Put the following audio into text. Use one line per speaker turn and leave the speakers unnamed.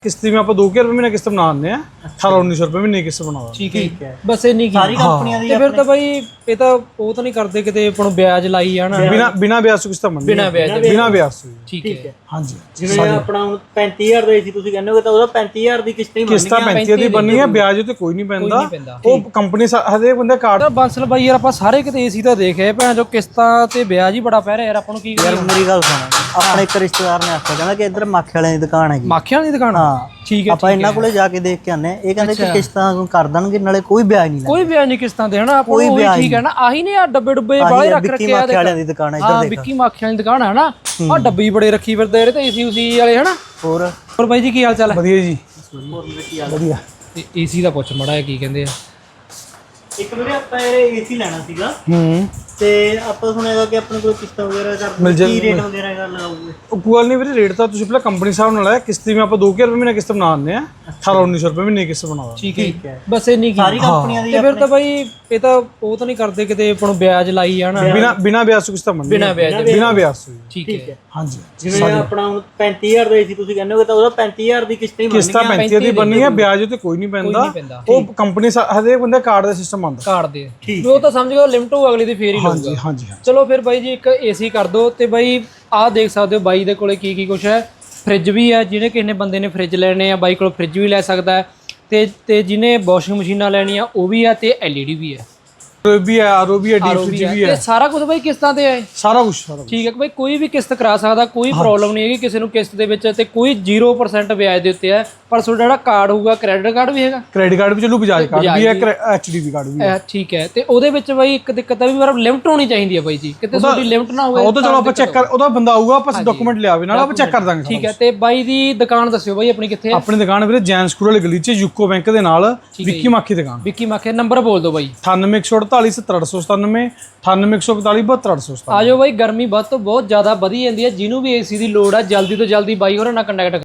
किस्ती में आप 2000 रुपए महीने किस्त बना दिंਦੇ ਆ 1800-1900 रुपए महीने किस्त ਬਣਾਉਂਦਾ
ਠੀਕ ਹੈ ਬਸ ਇੰਨੀ ਕੀ
ਸਾਰੀ ਕੰਪਨੀਆਂ ਦੀ
ਤੇ ਫਿਰ ਤਾਂ ਬਾਈ ਇਹ ਤਾਂ ਉਹ ਤਾਂ ਨਹੀਂ ਕਰਦੇ ਕਿਤੇ ਆਪਾਂ ਨੂੰ ਵਿਆਜ ਲਾਈ ਜਾਣਾ
ਬਿਨਾ ਵਿਆਜ ਤੋਂ ਕਿਸ਼ਤਾਂ ਬਣਦੀਆਂ ਬਿਨਾ ਵਿਆਜ ਤੋਂ
ਠੀਕ ਹੈ
ਹਾਂਜੀ
ਜਿਵੇਂ ਆਪਣਾ ਹੁਣ 35000 ਦਾ ਸੀ ਤੁਸੀਂ ਕਹਿੰਦੇ ਹੋ ਤਾਂ ਉਹਦਾ 35000 ਦੀ ਕਿਸ਼ਤ ਹੀ ਬਣਨੀ
ਕਿਸ਼ਤਾਂ 35 ਦੀ ਬਣਨੀ ਹੈ ਵਿਆਜ ਤੇ ਕੋਈ ਨਹੀਂ ਪੈਂਦਾ ਉਹ ਕੰਪਨੀ ਹਰੇਕ ਬੰਦੇ ਕਾਰਡ
ਬੰਸਲ ਬਾਈ ਯਾਰ ਆਪਾਂ ਸਾਰੇ ਕਿਤੇ ਏਸੀ ਤਾਂ ਦੇਖਿਆ ਭੈਣ ਜੋ ਕਿਸ਼ਤਾਂ ਤੇ ਵਿਆਜ ਹੀ ਬੜਾ ਪੈ ਰਿਹਾ ਯਾਰ ਆਪਾਂ ਨੂੰ ਕੀ
ਯਾਰ ਮੇਰੀ ਗੱਲ ਸੁਣ ਆਪਣੇ ਇੱਕ ਰਿਸ਼ਤੇਦਾਰ ਨੇ ਆਖਿਆ ਕਹਿੰਦਾ ਕਿ ਇੱਧਰ ਮਾਖੇ ਵਾਲਿਆਂ ਦੀ ਦੁਕਾਨ ਹੈਗੀ
ਮਾਖਿਆਂ ਦੀ ਦੁਕਾਨ
ਹਾਂ
ਠੀਕ ਹੈ
ਆਪਾਂ ਇਹਨਾਂ ਕੋਲੇ ਜਾ ਕੇ ਦੇਖ ਕੇ ਆਨੇ ਇਹ ਕਹਿੰਦੇ ਕਿ ਕਿਸ਼ਤਾਂ ਕਰ ਦੇਣਗੇ ਨਾਲੇ ਕੋਈ ਵਿਆਜ ਨਹੀਂ
ਕੋਈ ਵਿਆਜ ਨਹੀਂ ਕਿਸ਼ਤਾਂ ਤੇ ਹਨਾ ਆਪਾਂ ਨੂੰ ਠੀਕ ਹੈ ਨਾ ਆਹੀ ਨੇ ਆ ਡੱਬੇ ਡੁੱਬੇ ਬਾਹਲੇ ਰੱਖ ਰੱਖੇ ਆ
ਮਾਖੇ ਵਾਲਿਆਂ ਦੀ ਦੁਕਾਨ ਹੈ ਇੱਧਰ
ਹਾਂ ਵਿੱਕੀ ਮਾਖਿਆਂ ਦੀ ਦੁਕਾਨ ਹੈ ਨਾ ਆ ਡੱਬੀ ਬੜੇ ਰੱਖੀ ਫਿਰਦੇ ਇਹਦੇ ਤੇ ਏਸੀ ਉਸੀ ਵਾਲੇ ਹਨਾ ਹੋਰ ਬਾਈ ਜੀ ਕੀ ਹਾਲ ਚਾਲ ਹੈ
ਵਧੀਆ ਜੀ ਵਧੀਆ
ਏਸੀ ਦਾ ਪੁੱਛ ਮੜਾ ਕੀ ਕਹਿੰਦੇ ਆ
ਇੱਕ ਵੀਰੇ ਆਪਾਂ ਇਹ ਏਸੀ ਲੈਣਾ ਸੀਗਾ ਤੇ ਆਪਾਂ ਸੁਣਿਆਗਾ ਕਿ ਆਪਣੇ ਕੋਲ ਕਿਸ਼ਤਾਂ ਵਗੈਰਾ ਕਰ ਕੀ ਰੇਟ ਵਗੈਰਾ ਕਰ ਲਗਾਓਗੇ
ਉਹ ਕੋਈ ਨਹੀਂ ਵੀਰੇ ਰੇਟ ਤਾਂ ਤੁਸੀਂ ਪਹਿਲਾਂ ਕੰਪਨੀ ਸਾਹਿਬ ਨਾਲ ਆਇਆ ਕਿਸ਼ਤੀ में आप 2000 रुपए महीने किस्त बना ਦਿੰਦੇ ਆ 1800-1900 रुपए महीने किस्त ਬਣਾਉਂਦਾ
ਠੀਕ ਹੈ ਬਸ ਇੰਨੀ ਕੀ
ਸਾਰੀ ਕੰਪਨੀਆਂ ਦੀ
ਤੇ ਫਿਰ ਤਾਂ ਬਾਈ ਇਹ ਤਾਂ ਉਹ ਤਾਂ ਨਹੀਂ ਕਰਦੇ ਕਿਤੇ ਆਪਾਂ ਨੂੰ ਵਿਆਜ ਲਾਈ ਜਾਣਾ
ਬਿਨਾ ਵਿਆਜ ਤੋਂ ਕਿਸ਼ਤਾਂ ਬਣਦੀਆਂ ਬਿਨਾ ਵਿਆਜ ਤੋਂ
ਠੀਕ ਹੈ
ਹਾਂਜੀ
ਜਿਵੇਂ ਆਪਣਾ ਹੁਣ 35000 ਦਾ ਸੀ ਤੁਸੀਂ ਕਹਿੰਦੇ ਹੋ ਤਾਂ ਉਹਦਾ 35000 ਦੀ ਕਿਸ਼ਤ ਹੀ ਬਣਨੀ
ਕਿਸ਼ਤਾਂ 35 ਦੀ ਬਣਨੀ ਹੈ ਵਿਆਜ ਤੇ ਕੋਈ ਨਹੀਂ ਪੈਂਦਾ ਉਹ ਕੰਪਨੀ ਹਰੇਕ ਬੰਦੇ ਕਾਰਡ ਦਾ ਸਿਸਟਮ ਆਉਂਦਾ
ਕਾਰਡ ਦੇ ਉਹ ਤਾਂ ਸਮਝ ਗਏ ਲਿਮਟ ਹੋ ਅਗਲੀ ਦੀ ਫੇਰ ਹੀ ਲਊਗਾ
ਹਾਂਜੀ
ਚਲੋ ਫਿਰ ਬਾਈ ਜੀ ਇੱਕ ਏਸੀ ਕਰ ਦੋ ਤੇ ਬਾਈ ਆਹ ਦੇਖ ਸਕਦੇ ਹੋ ਬਾਈ ਦੇ ਕੋਲੇ ਕੀ ਕੁਛ ਹੈ ਫ੍ਰਿਜ ਵੀ ਹੈ ਜਿਹਨੇ ਕਿਸੇ ਨੇ ਬੰਦੇ ਨੇ ਫ੍ਰਿਜ ਲੈਣੇ ਆ ਬਾਈ ਕੋਲ ਫ੍ਰਿਜ ਵੀ ਲੈ ਸਕਦਾ ਹੈ ਤੇ ਜਿਹਨੇ ਵਾਸ਼ਿੰਗ ਮਸ਼ੀਨਾਂ ਲੈਣੀਆਂ ਉਹ ਵੀ ਹੈ ਤੇ LED ਵੀ ਹੈ
ਵੀ ਹੈ ਆਰਓ ਵੀ ਹੈ ਡੀਫ੍ਰਿਜ ਵੀ ਹੈ
ਤੇ ਸਾਰਾ ਕੁਝ ਬਾਈ ਕਿਸ਼ਤਾਂ ਤੇ ਹੈ
ਸਾਰਾ ਕੁਝ
ਠੀਕ ਹੈ ਬਾਈ ਕੋਈ ਵੀ ਕਿਸ਼ਤ ਕਰਾ ਸਕਦਾ ਕੋਈ ਪ੍ਰੋਬਲਮ ਨਹੀਂ ਹੈਗੀ ਕਿਸੇ ਨੂੰ ਕਿਸ਼ਤ ਦੇ ਵਿੱਚ ਤੇ ਕੋਈ 0% ਵਿਆਜ ਦੇ ਉੱਤੇ ਹੈ ਪਰ ਤੁਹਾਡਾ ਜਿਹੜਾ ਕਾਰਡ ਹੋਊਗਾ ਕ੍ਰੈਡਿਟ ਕਾਰਡ ਵੀ ਹੈਗਾ
ਕ੍ਰੈਡਿਟ ਕਾਰਡ ਵੀ ਚੱਲੂ ਬਜਾਜ ਕਾਰਡ ਵੀ ਹੈ HDB ਕਾਰਡ ਵੀ ਹੈ
ਠੀਕ ਹੈ ਤੇ ਉਹਦੇ ਵਿੱਚ ਬਾਈ ਇੱਕ ਦਿੱਕਤ ਆ ਵੀ ਮਤਲਬ ਲਿਮਟ ਹੋਣੀ ਚਾਹੀਦੀ ਹੈ ਬਾਈ ਜੀ ਕਿਤੇ ਤੁਹਾਡੀ ਲਿਮਟ ਨਾ ਹੋਵੇ
ਉਹ ਤਾਂ ਚਲੋ ਆਪਾਂ ਚੈੱਕ ਕਰ ਉਹਦਾ ਬੰਦਾ ਆਊਗਾ ਆਪਾਂ ਡਾਕੂਮੈਂਟ ਲਿਆਵੇ ਨਾਲ ਆਪਾਂ ਚੈੱਕ ਕਰ ਦਾਂਗੇ
ਠੀਕ ਹੈ ਤੇ ਬਾਈ ਦੀ ਦੁਕਾਨ ਦੱਸਿਓ ਬਾਈ ਆਪਣੀ ਕਿੱਥੇ ਹੈ
ਆਪਣੀ ਦੁਕਾਨ ਵੀਰੇ ਜੈਨ ਸਕੂਲ ਵਾਲੀ ਗਲੀ 'ਚ ਯੂਕੋ ਬੈਂਕ ਦੇ ਨਾਲ ਵਿੱਕੀ ਮਾਖੀ ਦੁਕਾਨ
ਵਿੱਕੀ ਮਾਖੇ ਨੰਬਰ ਬੋਲ ਦਿਓ ਬਾਈ
9814477897 9814472897
ਆਜੋ ਬਾਈ ਗਰਮੀ ਵੱਧ ਤੋਂ ਬਹੁਤ ਜ਼ਿਆਦਾ ਵਧੀ ਜਾਂਦੀ ਹੈ ਜਿਹਨੂੰ ਵੀ ਏਸੀ ਦੀ ਲੋੜ ਹੈ ਜਲਦੀ ਤੋਂ ਜਲਦੀ ਬਾਈ ਹੋਰਾਂ ਨਾਲ ਕੰਟੈਕਟ